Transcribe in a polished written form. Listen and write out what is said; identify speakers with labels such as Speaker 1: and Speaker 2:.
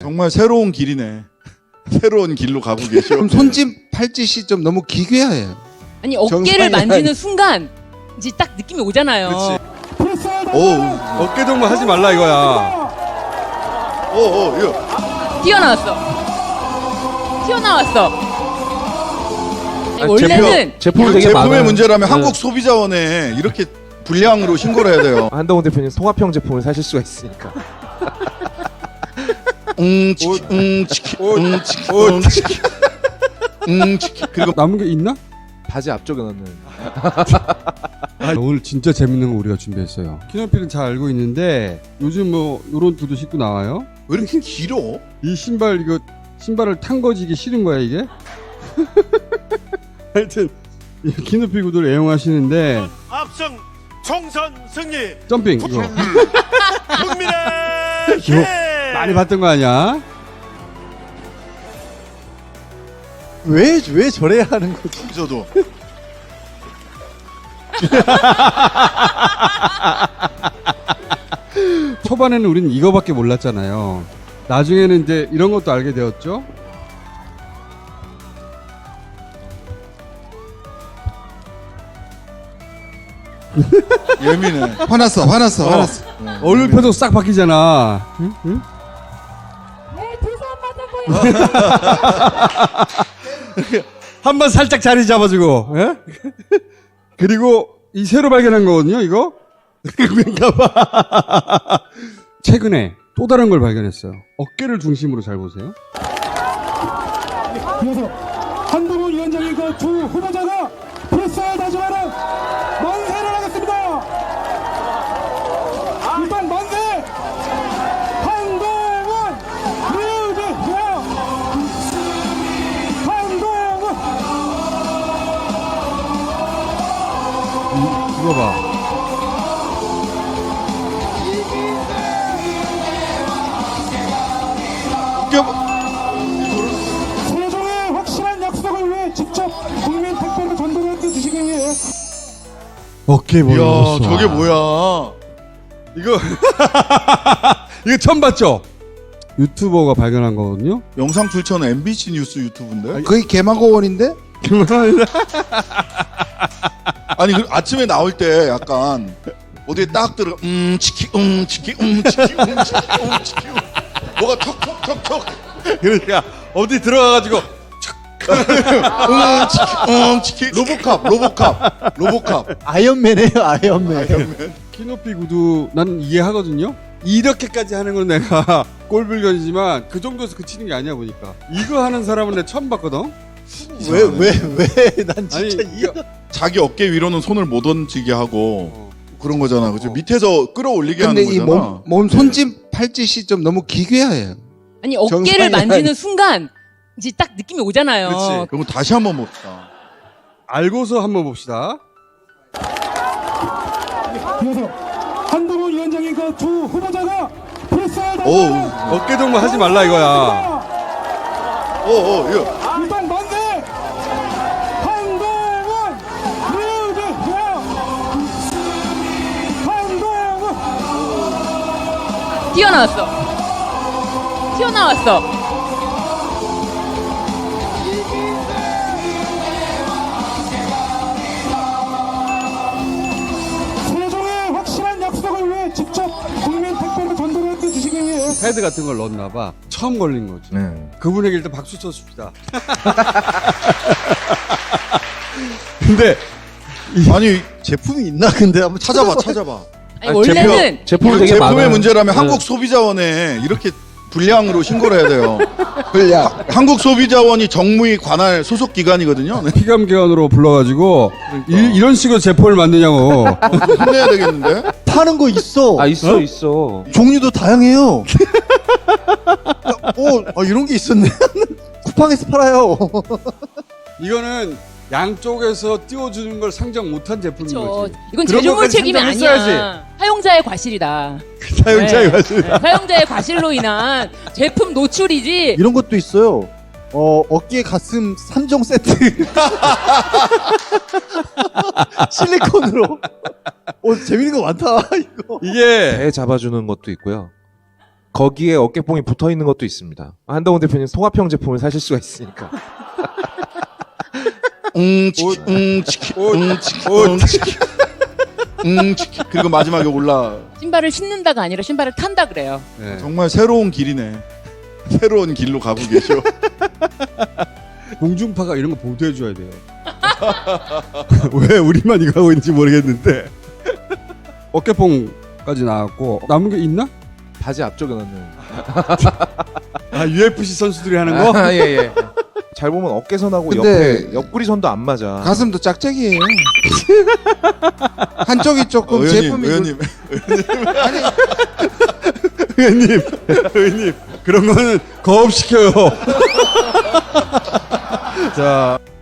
Speaker 1: 정말 새로운 길이네. 새로운 길로 가고 계시오.
Speaker 2: 그럼 손짓 팔짓이 좀 너무 기괴해요.
Speaker 3: 아니 어깨를 만지는 순간 이제 딱 느낌이 오잖아요.
Speaker 1: 오,
Speaker 4: 어깨 동무 하지 말라 이거야.
Speaker 1: 이거.
Speaker 3: 튀어나왔어.
Speaker 2: 아니,
Speaker 3: 원래는
Speaker 2: 제품이 되게
Speaker 1: 제품의
Speaker 2: 많아요.
Speaker 1: 문제라면
Speaker 2: 네.
Speaker 1: 한국 소비자원에 이렇게 불량으로 신고를 해야 돼요.
Speaker 2: 한동훈 대표님 송화평 제품을 사실 수가 있으니까.
Speaker 1: 치키, 치키, 치키. 그리고
Speaker 4: 남은 게 있나?
Speaker 2: 바지 앞쪽에 넣는.
Speaker 4: 오늘 진짜 재밌는 거 우리가 준비했어요. 키노필은 잘 알고 있는데 요즘 뭐 요런 두도 신고 나와요.
Speaker 1: 왜 이렇게 길어?
Speaker 4: 이 신발 이거 신발을 탄 거지 이게 싫은 거야 이게? 하여튼 이 키노필 구두를 애용하시는데
Speaker 5: 압승 총선 승리
Speaker 4: 점핑 이거
Speaker 5: 국민의
Speaker 4: 이거 많이 봤던 거 아니야?
Speaker 6: 왜 저래야 하는 거지?
Speaker 1: 저도.
Speaker 4: 초반에는 우리는 이거밖에 몰랐잖아요. 나중에는 이제 이런 것도 알게 되었죠.
Speaker 1: 예민해.
Speaker 2: 화났어.
Speaker 4: 얼굴 표정 싹 바뀌잖아. 응? 응? 한번 살짝 자리 잡아주고, 예? 그리고 이 새로 발견한 거거든요, 이거? 그런가봐. 최근에 또 다른 걸 발견했어요. 어깨를 중심으로 잘 보세요.
Speaker 7: 그래서 한동훈 위원장의 그 두 후보자가 필사를 다짐하는 만세를 하겠습니다. 일단 만세! 한동훈 뮤직이야! 한동훈!
Speaker 4: 이거 봐.
Speaker 7: 세종의 확실한 약속을 위해 직접 국민 택배로 전달해 주시기 위해
Speaker 4: 어깨
Speaker 1: 이야,
Speaker 4: 보여.
Speaker 1: 저게 뭐야?
Speaker 4: 이거, 이거 처음 봤죠? 유튜버가 발견한 거거든요?
Speaker 1: 영상 출처는 MBC 뉴스 유튜브인데?
Speaker 2: 거의 개마고원인데?
Speaker 1: 아니, 그 아침에 나올 때 약간 어디에 딱 들어, 치키, 치키, 치키, 치키. 뭐가 턱턱턱턱.
Speaker 4: 그러니까, 어디 들어가가지고,
Speaker 1: 치키. 로보캅.
Speaker 6: 아이언맨이에요, 아이언맨.
Speaker 4: 키높이 구두 난 이해하거든요. 이렇게까지 하는 건 내가 꼴불견이지만 그 정도에서 그치는 게 아니야 보니까. 이거 하는 사람은 내가 처음 봤거든.
Speaker 6: 왜? 난 진짜
Speaker 4: 아니,
Speaker 6: 이해가.
Speaker 1: 자기 어깨 위로는 손을 못 얹히게 하고
Speaker 4: 어.
Speaker 1: 그런 거잖아. 그죠? 밑에서 끌어올리게
Speaker 2: 근데
Speaker 1: 하는
Speaker 2: 이
Speaker 1: 거잖아.
Speaker 2: 몸 손짓 팔짓이 좀 너무 기괴해요.
Speaker 3: 아니 어깨를
Speaker 2: 정상이
Speaker 3: 만지는 순간 이제 딱 느낌이 오잖아요.
Speaker 4: 그렇지.
Speaker 1: 그럼 다시 한번 봅시다.
Speaker 4: 알고서 한번 봅시다.
Speaker 7: 그래서 한동훈 위원장의 그 두 후보자가 필사를
Speaker 1: 오,
Speaker 7: 다짐하는
Speaker 4: 어깨 동무 하지 말라 이거야.
Speaker 1: 이거.
Speaker 7: 일단 만세! 한동훈 뮤직이야! 한동훈!
Speaker 3: 튀어나왔어.
Speaker 7: 세종의 확실한 약속을 위해 직접 국민 택배로 전달해 주시기 위해
Speaker 4: 패드 같은 걸 넣었나 봐. 처음 걸린 거지.
Speaker 2: 네.
Speaker 4: 그분에게 일단 박수 쳐줍시다. 근데
Speaker 1: 아니,
Speaker 6: 제품이 있나 근데 한번
Speaker 1: 찾아봐.
Speaker 3: 아니 원래는
Speaker 2: 제품이
Speaker 1: 이거
Speaker 2: 되게
Speaker 1: 제품의
Speaker 2: 많아요.
Speaker 1: 문제라면
Speaker 2: 네.
Speaker 1: 한국 소비자원에 이렇게 불량으로 신고를 해야 돼요.
Speaker 2: 불량.
Speaker 1: 한국 소비자원이 정무위 관할 소속 기관이거든요. 네.
Speaker 4: 피감기관으로 불러가지고 이런 식으로 제품을 만드냐고.
Speaker 1: 혼내야 되겠는데?
Speaker 6: 파는 거 있어.
Speaker 2: 있어.
Speaker 6: 종류도 다양해요. 이런 게 있었네. 쿠팡에서 팔아요.
Speaker 4: 이거는 양쪽에서 띄워주는 걸 상정 못한 제품인
Speaker 3: 그렇죠.
Speaker 4: 거지.
Speaker 3: 이건
Speaker 4: 그런
Speaker 3: 제조물
Speaker 4: 것까지
Speaker 3: 책임이
Speaker 4: 상정했어야지.
Speaker 3: 아니야. 사용자의 과실이다.
Speaker 4: 사용자의
Speaker 3: 네.
Speaker 4: 과실이다.
Speaker 3: 네, 사용자의 과실로 인한 제품 노출이지.
Speaker 6: 이런 것도 있어요. 어깨 가슴 3종 세트. 실리콘으로. 재밌는 거 많다, 이거.
Speaker 4: 이게
Speaker 2: 배 잡아주는 것도 있고요.
Speaker 8: 거기에 어깨뽕이 붙어 있는 것도 있습니다. 한동훈 대표님 통합형 제품을 사실 수가 있으니까.
Speaker 1: 치키 치키 치키 치키. 그리고 마지막에 올라.
Speaker 3: 신발을 신는다가 아니라 신발을 탄다 그래요.
Speaker 4: 네.
Speaker 1: 정말 새로운 길이네. 새로운 길로 가고 계셔.
Speaker 4: 공중파가 이런 거 보도해줘야 돼요. 왜 우리만 이거 하고 있는지 모르겠는데. 어깨뽕까지 나왔고 남은 게 있나?
Speaker 8: 바지 앞쪽에 넣는.
Speaker 4: 아 UFC 선수들이 하는 거?
Speaker 8: 아, 예, 예. 잘 보면 어깨선하고
Speaker 2: 근데
Speaker 8: 옆에 옆구리선도 안 맞아.
Speaker 2: 가슴도 짝짝이에요. 한쪽이 조금 제품이
Speaker 1: 의원님
Speaker 2: 아니
Speaker 4: 의원님 그런 거는 거업시켜요. 자